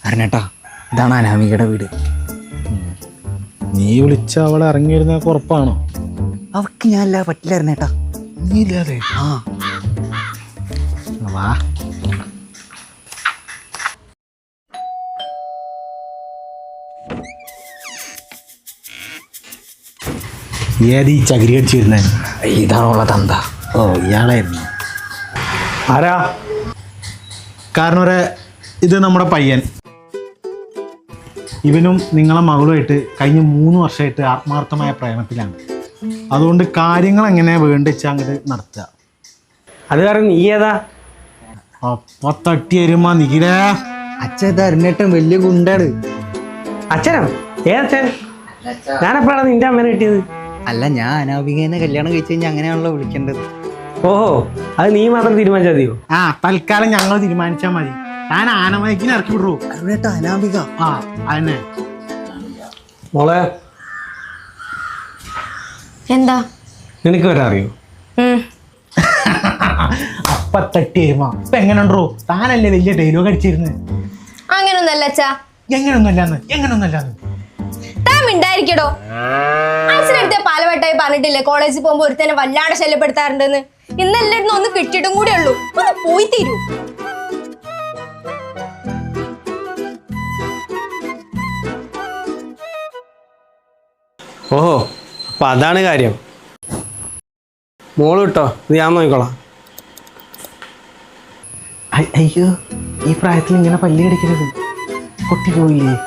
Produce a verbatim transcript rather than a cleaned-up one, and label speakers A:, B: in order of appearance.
A: അരണേട്ടാ, ഇതാണ് അനാമികയുടെ വീട്.
B: നീ വിളിച്ച അവളെ ഇറങ്ങി വരുന്ന ഉറപ്പാണോ?
A: അവക്ക് ഞാനല്ല, പറ്റില്ല അരണേട്ടാ.
B: നീ ഇല്ലാതെ
A: ആ
B: വാ. ഏത് ഈ ചകിരി അടിച്ചു വരുന്നേ?
A: ഇതാണുള്ള തന്ത.
B: ഓ, ഇയാളായിരുന്നു. ആരാ? കാരണം ഒരു ഇത് നമ്മുടെ പയ്യൻ. ഇവനും നിങ്ങളെ മകളുമായിട്ട് കഴിഞ്ഞ മൂന്ന് വർഷമായിട്ട് ആത്മാർത്ഥമായ പ്രേമത്തിലാണ്. അതുകൊണ്ട് കാര്യങ്ങൾ എങ്ങനെ വേണ്ടിച്ച അങ്ങോട്ട് നടത്തുക.
C: അത് കാരണം നീ ഏതാ?
B: അപ്പൊ തട്ടി വരുമ്പോ നിഖിലേ,
A: അച്ഛൻ ഇത് അരണേട്ടൻ വലിയ ഗുണ്ടാണ്.
C: അച്ഛനോ? ഏതച്ഛൻ? ഞാനെപ്പോഴാണ് നിന്റെ അമ്മേനെ കിട്ടിയത്?
A: അല്ല, ഞാൻ അനാമികേനെ കല്യാണം കഴിച്ചു കഴിഞ്ഞാൽ അങ്ങനെയാണല്ലോ വിളിക്കേണ്ടത്.
C: ഓഹോ, അത് നീ മാത്രം തീരുമാനിച്ചാൽ മതിയോ?
B: ആ തൽക്കാലം ഞങ്ങൾ തീരുമാനിച്ചാൽ മതി. താൻ ആനമയക്കിനെ ഇറക്കി വിടൂ.
A: അരണേട്ടാ, അനാമിക.
B: ആ അതന്നെ.
C: മോളെ,
D: എന്താ
C: നിനക്ക് വരാൻ അറിയോ?
B: അപ്പ തട്ടി വരുമ്പോ ഇപ്പൊ എങ്ങനെയുണ്ടോ? താനല്ലേ വലിയ ഡയലോഗ് അടിച്ചിരുന്നത്.
D: അങ്ങനൊന്നല്ല അച്ഛാ.
B: എങ്ങനൊന്നല്ലാന്ന് എങ്ങനൊന്നല്ലാന്ന്
D: താൻ മിണ്ടായിരിക്കടോ. അച്ഛനടുത്ത പാലവട്ടായി പറഞ്ഞിട്ടില്ലേ കോളേജിൽ പോകുമ്പോ ഒരുത്തന്നെ വല്ലാണ്ട് ശല്യപ്പെടുത്താറുണ്ടെന്ന്. ഇന്നെല്ലായിരുന്നു ഒന്ന് കിട്ടിയിട്ടും കൂടെ ഉള്ളൂ. ഒന്ന് പോയി തീരൂ.
C: ഓഹോ, അപ്പൊ അതാണ് കാര്യം. മോള് കിട്ടോ, ഇത് ഞാൻ നോക്കിക്കോളാം.
B: അയ്യോ, ഈ പ്രായത്തിൽ ഇങ്ങനെ പല്ലി അടിക്കരുത്. പൊട്ടി പോയില്ലേ?